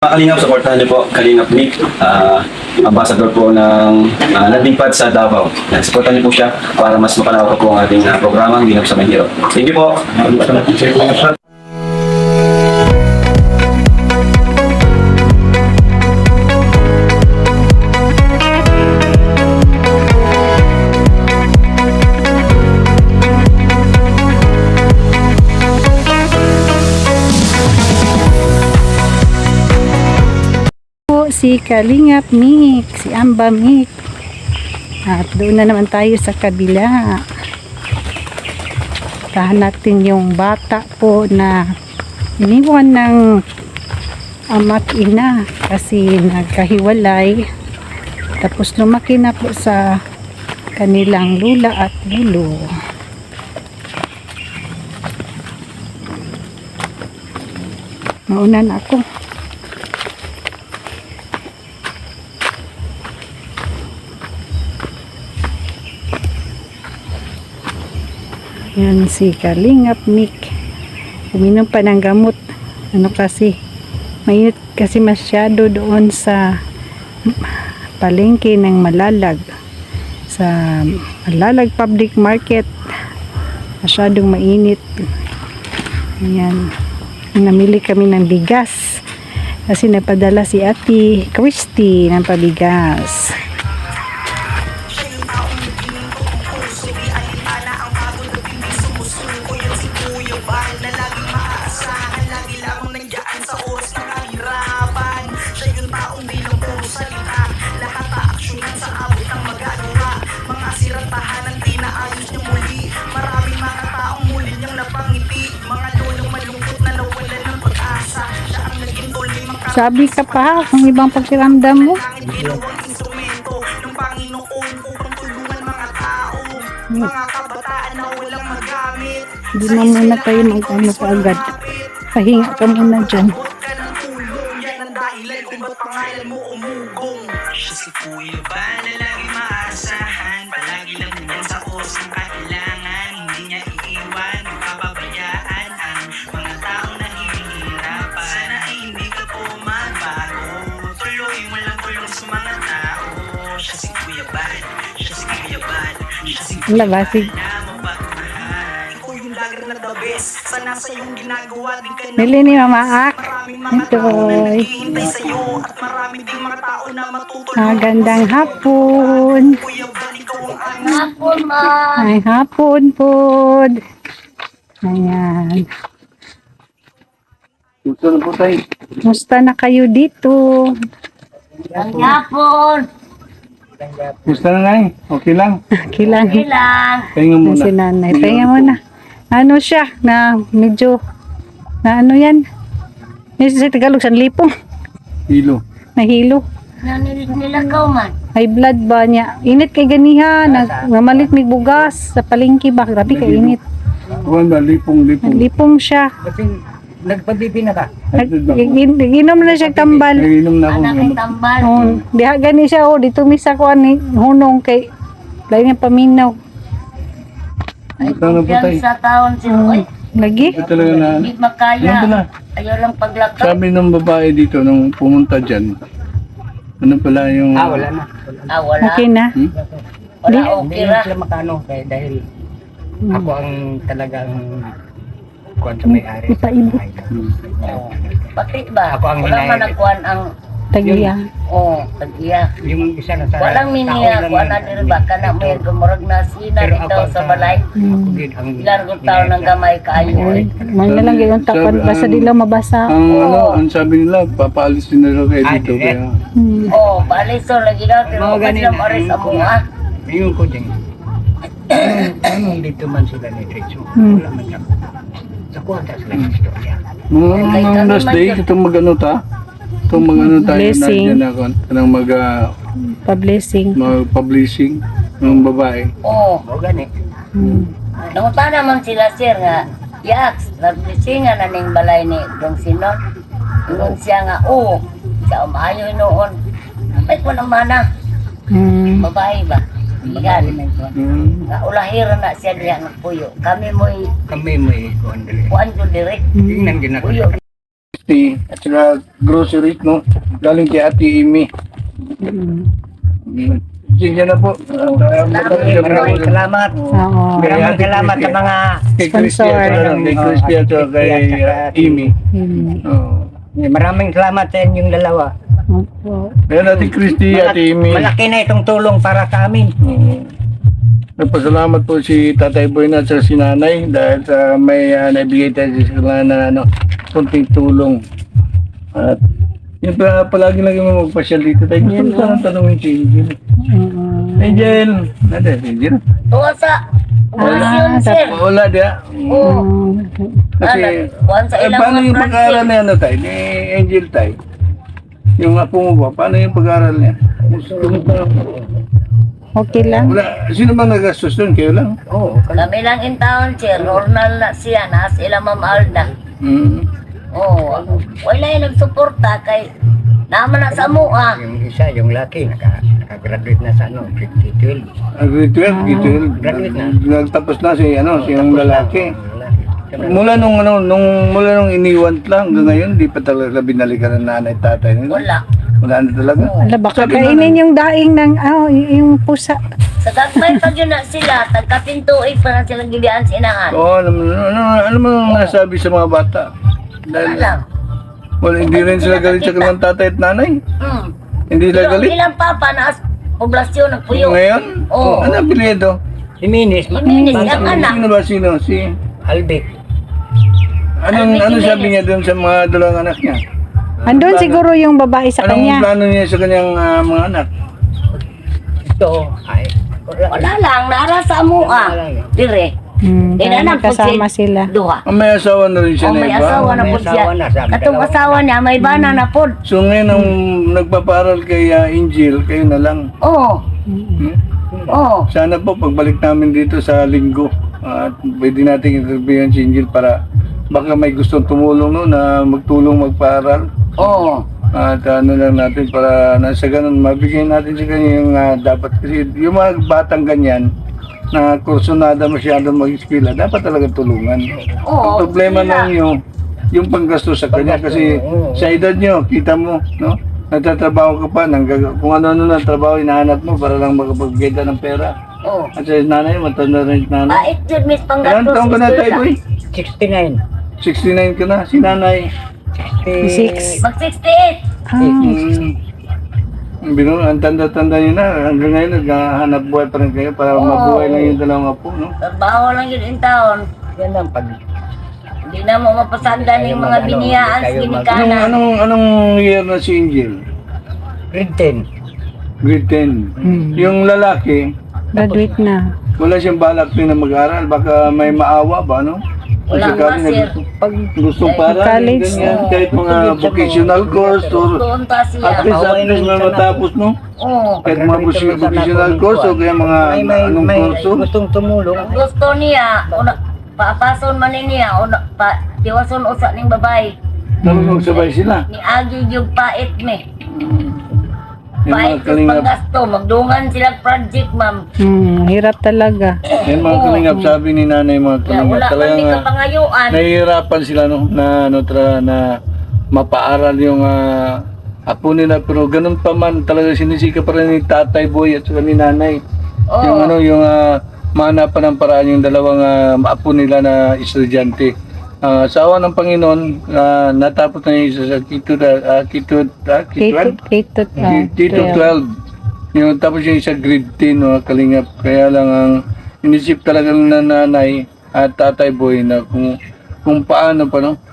Kalingap, supportahan niyo po Kalingap Nick, ambassador po ng landing pad sa Davao. Supportahan niyo po siya para mas makalawak po ang ating programang Ginap sa Mahirap. Thank you po. Si Kalingap Nick, si Amba Nick. At doon na naman tayo sa kabila. Tahan natin yung bata po na iniwan ng ama't ina kasi nagkahiwalay. Tapos lumaki na po sa kanilang lula at lulo. Mauna na ako. Yan si Kalingap Nick. Uminom pa ng gamot. Ano kasi, mainit kasi masyado doon sa palengke ng Malalag. Sa Malalag Public Market. Masyadong mainit. Ayan. Namili kami ng bigas. Kasi napadala si Ate Christy ng pabigas. Sabi ka pa, ang ibang pagkiramdam mo. Hindi na muna tayo mag-ano pa agad. Pahinga ka muna dyan. Siya si Kuya Ba na lagi maasahan. Palagi lang yan sa osang kailangan. Hindi niya iiwan, papabayaan ang mga taong nahihirapan. Sana ay hindi ka po magbago. Tuloy mo lang tulong sa mga tao. Siya si Kuya Bad, siya si Kuya Bad, siya si Kuya Bad na mapagmahal. Ikaw yung lager na the best. Sana sa iyong ginagawa din ka na. Bili ni Mama Ak. Ito. Naghihintay sa'yo at marami ding mga tao na matutulungan. Magandang hapon. Hapon, ma. Ay, hapon po. Ayan. Gusto na po tayo. Musta na kayo dito? Hapon. Gusto na na Okay lang. Kilang. Pahinga muna. Si nanay. Pahinga muna. Ano siya? Na medyo, na ano yan? Sa Tagalog, sanlipong. Hilo. Nahilo. Nilagaw man. High blood ba niya? Init kay ganiha. Namalit may bugas. Sa palengke ba? Grabe kay init. Kuwan ba? Lipong. Lipong siya. Kasi nagpabibi na ka. Ginom na siya tambal. Nainom na ako. Anak ay tambal. Oh, diha gani siya oh, dito misa ko ani hunong kay lain nga paminaw. Gusto na po tayo. Sa taon si Roy. Lagi? Ito talaga na. Hindi makaya. Ano pala? Ayaw lang paglakaw. Sabi ng babae dito nung pumunta dyan. Ano pala yung... Wala na. Wala. Okay na. Wala Hindi okay na ra. sila makano dahil ako ang talagang kuwan sa may-ari. Ipaibot. Pati ba? Ako ang Wala man hinahit. nagkuhan ang Tagiya. tagiya. Yung isa na sa Walang miniya. Kuha na din ba? Kana may gumurag na sina Pero dito ako sa balay. Ako din ang Ilan kong taon ng gamay kayo. Ay, may na lang gayon tapan basta di lang mabasa. ang sabi nila, papaalis din na kayo dito. dire. Kaya, Baliso lagi daw. Pero Mga kasi ganun. lang aris ang mga. Yung ko din. Anong dito man sila ni Dritso? Wala man siya. Sa kwarta sila yung istorya. mga last day, itong mag-ano ta? Itong mag-ano tayo na Blessing. dyan ako. Kanang Pa-blessing. mag-publishing ng babae. Oo. O gani. Nanguta naman sila sir nga. Yaks. Nagbisingan na ning balay ni Dong Sinon. Ingon siya nga. Siya umayo noon. Ay ko naman na. Babae ba? Igan. Ulahira na siya diya ng puyo. Kami mo'y Kami mo ikuan dali. kuan ko direct. Tingnan ginako. Puyo. Christy at saka groceries, no? Galing kay Ate Amy. Sige na po. Maraming salamat. Oo. Maraming salamat sa mga Kay Christy at saka kay Christy at saka kay Amy. Oh. maraming salamat sa inyong dalawa. Opo. Kaya natin Christy at Amy. Malaki na itong tulong para sa amin. Nagpasalamat po si Tatay Boy na sa si Nanay dahil sa may naibigay tayo sa sila na kunting tulong. At yun pa, palagi lang yung magpasyal dito tayo. Gusto ko sana tanongin si Angel. Angel! Nada, Angel? Tuwasa. Wala dia. Kasi, Sa ilang paano mga yung pag-aaral niya tayo? Ni Angel tayo? Yung apo mo ba? Paano yung pag-aaral niya? Okay lang. Wala. Sino bang nagastos doon? Kayo lang? Kami lang in town, sir. Normal na siya. Nas ilang Ma'am Alda. Wala yung nagsuporta kay naman na sa mua. Yung isa, yung laki, nakagraduate na sa ano, 12. Grade 12, grade 12. Graduate na. Nagtapos na si yung lalaki. Mula nung iniwan lang hanggang ngayon, di pa talaga binalikan ng nanay tatay nila. Wala na talaga. Ala, baka kainin yung daing ng, yung pusa. Sa gagmay pag yun na sila, tagkapintuig pa na silang gilian sa inahan. Oo, ano mo nasabi sa mga bata? Wala lang. Hindi rin sila galit sa kanilang tatay at nanay. Hindi sila galit. Ilang papa na poblasyon nagpuyo. Ngayon? Oo. Ano ang apelyido? Iminis, Iminis ang anak. Sino ba sino? Si... Albert. Ano sabi niya doon sa mga dalawang anak niya? Andun siguro yung babae sa Anong kanya. plano niya sa kanyang mga anak? Ito, ay, Wala lang, nara sa mua. Dire. Dahil anak po kasama sila. Duha. May asawa na rin siya O na may iba? asawa na po May siya. asawa na, sabi Katong dalawa. asawa niya, may bana na po. So ngayon nung nagpaparal kay Angel, kayo na lang. Oo. Oo. Sana po pagbalik namin dito sa linggo at pwede natin interviewin si Angel para baka may gustong tumulong no na magtulong magpaaral. Oo. At ano lang natin para nasa ganun mabigyan natin sa kanya yung dapat kasi yung mga batang ganyan na kursunada masyadong mag-eskwela dapat talaga tulungan. Oo. Ang problema lang yung panggastos sa kanya kasi sa edad nyo, kita mo, no? Nagtatrabaho ka pa, kung ano-ano na trabaho hinahanap mo para lang makapagbigay ka ng pera. Oo. At sa nanay, matanda rin si nanay. Bait yun, Miss Ilan Panggatos. taong ka na tayo, boy? 69. 69 ka na, si nanay. 6. Mag-68. Bino, ang tanda-tanda nyo na, hanggang ngayon naghahanap buhay pa rin kayo para mabuhay lang yung dalawang apo, no? Trabaho lang yun in town. Yan ang pag... Hindi na mo mapasagdan yung mga biniyaan sa ginikanan. Anong year na si Angel? Grade 10. Grade 10. Yung lalaki, Graduate na. wala siyang balak din na mag-aral, baka may maawa ba, no? Wala Kasi nga, kami sir. pag gustong para, College, ganyan, kahit mga vocational course or Doon ta at siya. least may matapos, no? Oo. Kahit mga vocational course o kaya mga anong may kurso. gustong tumulong. Kung gusto niya, paapason man niya, tiwason usa ning babae. Talagang sabay sila. Ni Agi yung pait me. Yung mga Pait yung kalingap, panggasto. Magdungan sila project, ma'am. Hirap talaga. yung mga kalingap, sabi ni nanay mga Kaya kalingap, wala man talagang di ka pangayuan. nahihirapan sila no, na mapaaral yung apo nila pero ganun pa man talaga sinisika pa rin ni Tatay Boy at saka ni nanay. Oo. Yung mahanapan ng paraan yung dalawang apo nila na estudyante. Sa awa ng Panginoon, natapos na yung isa sa K-12. Yung tapos yung isa grade 10, no, kalingap. Kaya lang ang inisip talaga ng nanay at Tatay Boy na kung paano pa, no?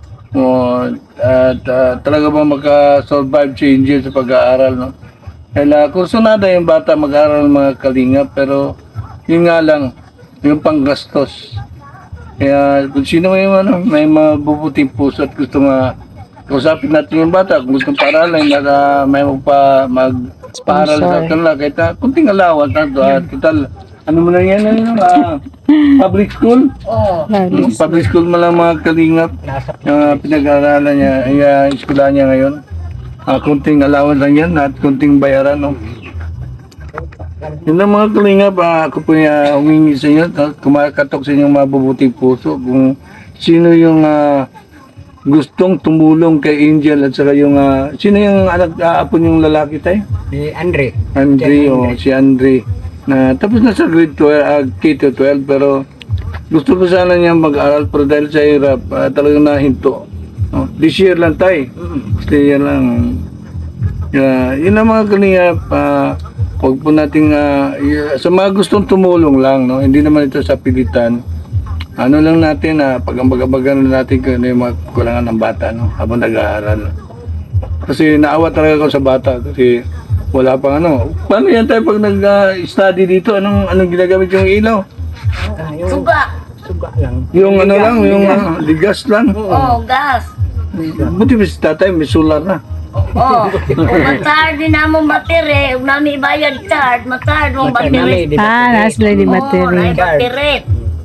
Talaga ba maka-survive si Angel sa pag-aaral, no? Kaya kursunada yung bata mag-aaral ng mga kalingap, pero yun nga lang, yung panggastos. Kaya kung sino may mabubuting puso at gusto kausapin natin yung bata, kung gusto paaralan, may magpa-aral sa kanila, kahit kunting alawan, total, ano mo na yan, public school? Oo. Public school mo lang mga kalingap, yung pinag-aaralan niya, yung eskwela niya ngayon. Kunting alawan lang yan at kunting bayaran, no? Yun lang mga kalingap, ako po humingi sa inyo, kumakatok sa inyong mabubuting puso, kung sino yung gustong tumulong kay Angel at saka yung sino yung anak apo yung lalaki tayo? Si Andre. Andre o si Andre na tapos na sa grade 12, K-12 pero gusto ko sana niya mag-aral pero dahil sa hirap talagang nahinto. This year lang tayo. This year lang. Yun ang mga kalingap. Huwag po nating sa mga gustong tumulong lang, no? Hindi naman ito sa pilitan. Ano lang natin, pag-ambagan natin kung ano yung mga kulangan ng bata, no? Habang nag-aaral. Kasi naawa talaga ako sa bata kasi wala pang ano. Paano yan tayo pag nag-study dito? Anong ginagamit yung ilaw? Suga. Suga lang. Yung ano lang, yung ligas lang. Oh, gas. Buti ba si tatay, may solar na. Oh, mag-charge din namong battery. Huwag namin ibayad charge. Mag-charge mong battery. Nasla di Oh, battery. na battery.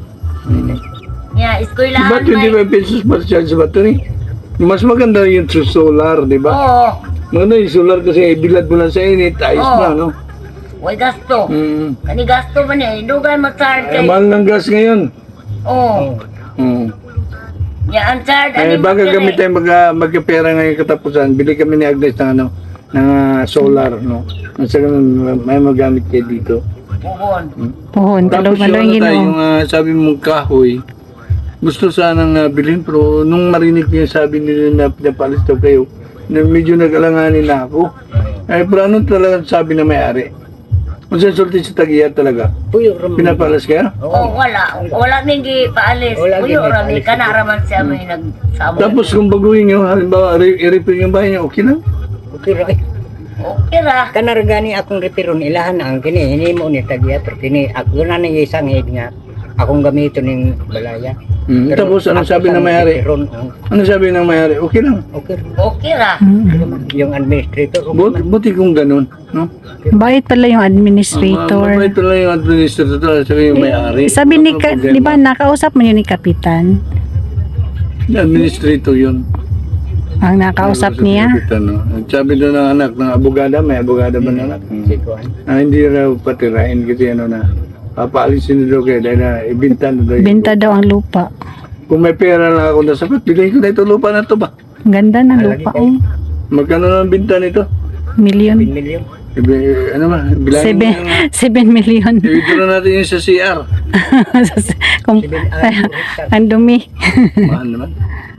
Yeah, eskwelahan Ba't 25 pesos per charge sa battery? Mas maganda yung solar, di ba? Oo. Maganda yung solar kasi bilad mo lang sa init, ayos Oo. na, no? Way gasto. Mm. Kani gasto ba niya? Dugay mag-charge Eh, kay. mahal ng gas ngayon. Oo. Mm. Yeah, ang charge. Eh, baga kami tayo magkapera ngayon katapusan, bili kami ni Agnes ng ano, ng solar, no? Nasa ganun, may magamit kayo dito. Puhon. Puhon, Tapos talong yung ano tayo, ginoo. yung sabi mong kahoy, gusto sanang bilhin, pero nung marinig ko yung sabi nila na pinapalis daw kayo, na medyo nag-alanganin na ako. Eh, pero ano talaga sabi na may-ari? Kung sa sulti sa tagiya talaga, Puyo ram. pinapalas kaya? Oh, wala. Wala mingi paalis. Wala Uyo gini rami paalis. kanaraman siya may nagsamo. Tapos kung baguhin nyo, halimbawa, i-repair yung bahay niya, okay lang? Okay ra. Okay ra. Kanar gani akong repiron ilahan ang kini hinimo ni tagiya pero kini ako na ni isang head nga akong gamito ning balaya. Tapos anong sabi ng may-ari? Ano sabi ng may-ari? Okay lang. Okay. Okay ra. Yung administrator Buti kung ganun, no? Bait pala yung administrator. Mabait pala yung administrator, sabi yung may-ari. Sabi ni, di ba, nakausap mo yun ni Kapitan? Administrator yun. Ang nakausap niya? No? Sabi doon ng anak, ng abogada, may abogada ba na anak? Hindi raw patirain kasi ano na, papaalisin na daw kayo dahil na ibinta na daw. Benta daw ang lupa. Kung may pera lang ako na sapat, bilhin ko na ito lupa na ito ba? Ang ganda ng lupa. Oh. Magkano na ang binta nito? Million. million. Ano ba? Bilangin mo yung... 7 million. I-withdraw natin yung sa CR. Kung, ang dumi. Mahal naman.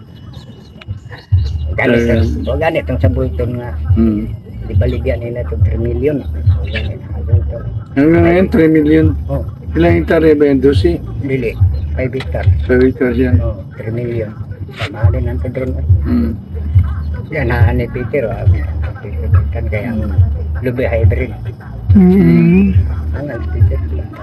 Ganit ang sa bulton nga ibaligyan nila to 3 million. Ganit. Hanggang ngayon, 3 million. Oh, Ilang hektarya ba yung 12? dili 5 hectare. 5 hectares yan. Oh, 3 million. Sama din ang drone. Hmm. Yan na ni Peter kan kaya ang lubi hybrid. Ang Peter.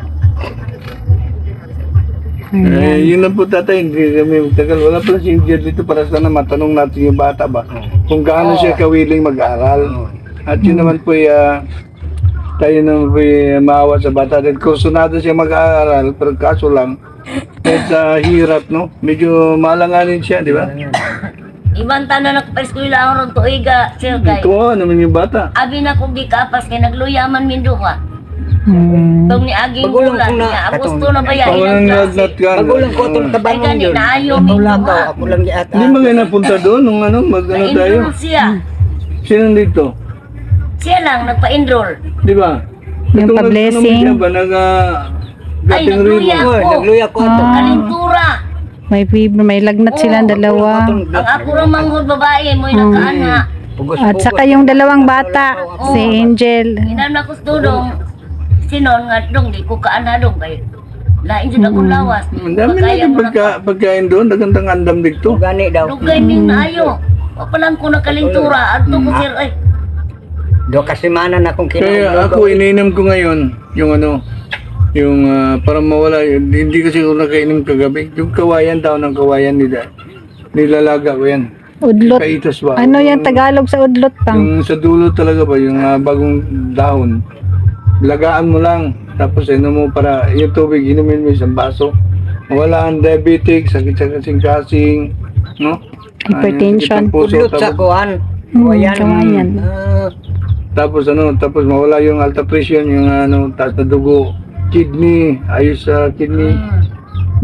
Yun lang po tatay, hindi kami magtagal. Wala pala si Angel dito para sana matanong natin yung bata ba kung gaano siya kawiling mag-aral. At yun naman po tayo naman po maawa sa bata. Dahil kursunado siya mag-aaral, pero kaso lang, kahit sa hirap, no? Medyo malanganin siya, di ba? Ibang tanan nagpa-eskwela ako ron tuiga, sir kay. Ito naman yung bata. Abi na kong di kapas kay nagluyaman min duha. Tong ni aging Magulang bulan kung na- niya. Agosto atong- na ba yan? Pag Ilang klase? nagnat ka. Magulang ko itong Ay tabangon gani yun. na ayaw min Wala duha. ako lang yata. Hindi ba kayo napunta doon nung ano, mag-ano tayo? Na-enroll siya. Sino dito? Siya lang nagpa-enroll. Di ba? Yung Itong pa-blessing. nag-ano ba, Ay, nagluya Oh, ako. nagluya ko ato. Kalintura. May fever, may lagnat silang dalawa. Ang ako rin manghod babae mo yung nakaana. At saka yung dalawang bata, si Angel. Inan na ko studong. Sinon nga dong di ko kaana dong kay. Lain jud akong lawas. Ang dami Kaya natin mo na pagkain doon, nagandang andam dito. Gani daw. Lugay min ayo. Wa pa lang ko nakalintura adto ko sir ay. Do kasi mana na kung Kaya ako ininom ko ngayon, yung ano, yung para mawala, hindi kasi ako nakainom kagabi. Yung kawayan daw ng kawayan nila, nilalaga ko yan. Udlot. Kaitos ba? Ano yan Tagalog sa udlot pang? Yung sa dulo talaga ba, yung bagong dahon, lagaan mo lang, tapos inom mo para yung tubig, inumin mo isang baso. Wala ang diabetic, sakit sa kasing-kasing, no? Hypertension. Sakit ng puso, Udlot sa tapos, kuan. Kawayan. tapos tapos mawala yung alta pressure, yung taas na dugo, kidney, ayos sa kidney.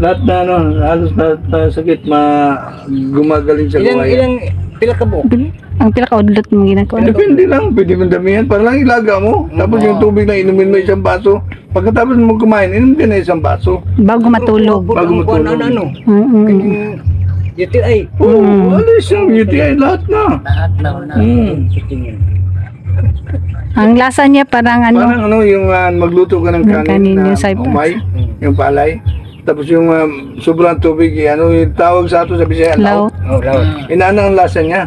lahat na ano, halos lahat na sakit gumagaling sa kawayan. Pila ka buok? Ang pinakaudlot mong ginagawa. Depende lang, pwede mo damihan. Para lang ilaga mo. Tapos yung tubig na inumin mo isang baso. Pagkatapos mo kumain, inom ka na isang baso. Bago matulog. Bago matulog. Ano? Mm-mm. UTI. Oo, alis yung UTI, lahat na. Lahat na na. Ang lasa niya parang ano, Parang ano, yung magluto ka ng Ng kanin, kanin na yung saipas. umay, yung palay. Tapos yung sobrang tubig, ano yung tawag sa ato sa Bisaya, law. Oh, lahat. Inaano ang lasa niya.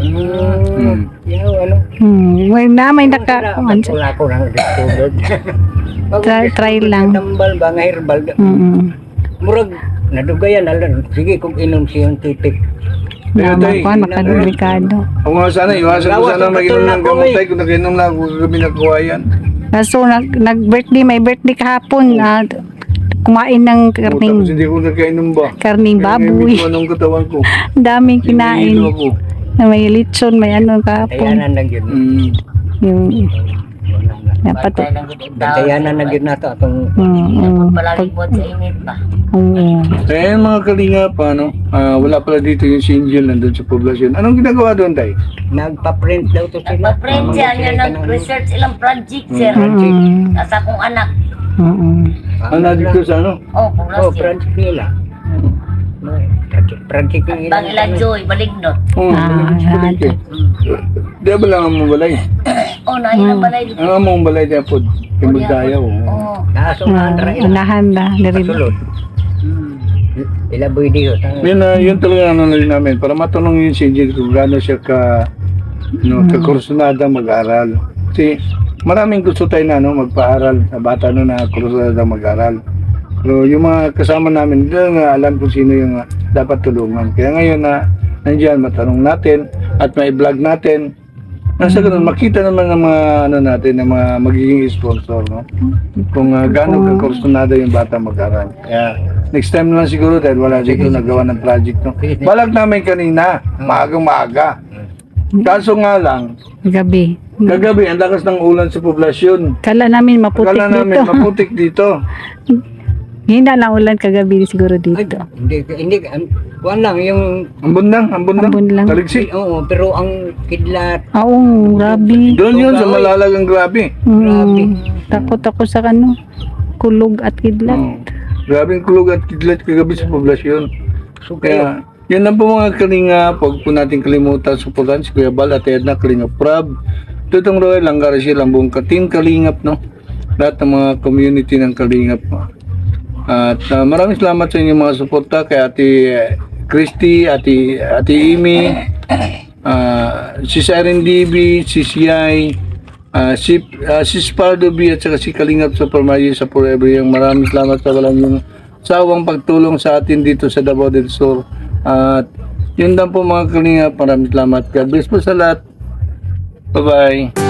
Ano? May naka, Wala ko lang discovered. try lang. Tambal ba nga herbal? Mm-mm. Murag nadugayan alam. Sige kung inom scientific. Naman ko, makadelikado. Ako nga sana, iwasan ko Lawas sana ang mag-inom katulad ng ko, gamotay kung nag-inom lang ako kami nagkuhayan. Kaso nag-birthday, may birthday kahapon. Kumain ng Tapos hindi ko nagkainom ba? karning Kaya baboy. medyo anong katawan ko. Ang daming Hinihilo kinain. ako. Na may litson, may ano kahapon. Tayanan lang yun. Yung dapat. Tayanan lang yun nato atong Palagi po sa init pa. Kaya yung mga kalinga pa, no? Wala pala dito yung si Angel nandun sa poblasyon. Anong ginagawa doon, Tay? nagpa-print daw to sila. Nagpa-print siya niya nag-research ilang project, sir. Sa akong anak. Ano dito sa ano? Oh, kung Oh, last year. project nila. Project nila. Bang ila Joy, balignot. Oo, balik eh. Di ba lang ang mong balay? Oh, nailang balay dito. Ang mong balay di apod. Kimagdayaw. Oh, Naso nga andra ila. Unahan na. Dari Sulod. Ila boy diyo. Yun talaga ano na rin namin. Para matanong yun si Angel kung gaano siya kakursunada mag-aral. Kasi maraming gusto tayo na magpaaral sa bata na kursunada mag-aral. Pero yung mga kasama namin, hindi nga alam kung sino yung dapat tulungan. Kaya ngayon nandiyan, matanong natin at may vlog natin. Nasa ganun, makita naman ng mga natin, ng mga magiging sponsor, no? Kung gaano kakursunada yung bata mag-aral. Kaya next time na lang siguro dahil wala dito nagawa ng project, no? Balag namin kanina, maagang-maaga. Kaso nga lang, gabi. kagabi, ang lakas ng ulan sa poblasyon. Kala namin maputik Kala namin dito. maputik dito. Hina lang ulan kagabi siguro dito. Hindi, kuwan lang yung Ambon lang. Ambon lang. Taliksi. oo, pero ang kidlat Oo, grabe. Doon yun sa malalagang grabe. Takot ako sa kulog at kidlat. Grabing kulog at kidlat kagabi sa poblasyon. Kaya, yun lang po mga kalinga. Huwag po natin kalimutan suportahan si Kuya Bal at Edna Kalingap Prab. Tutong Roy, Langgar siya lang buong ka-team Kalingap, no? Lahat ng mga community ng Kalingap. At maraming salamat sa inyong mga suporta kay Ate Christy, Ate Amy, si Siren DB, si Siyay, si Spardo B at saka si Kalingap sa Permayo sa Forever. Yung maraming salamat sa walang yung sawang pagtulong sa atin dito sa Davao del Sur. At yun lang po mga Kalingap, maraming salamat. God bless po sa lahat. Bye-bye.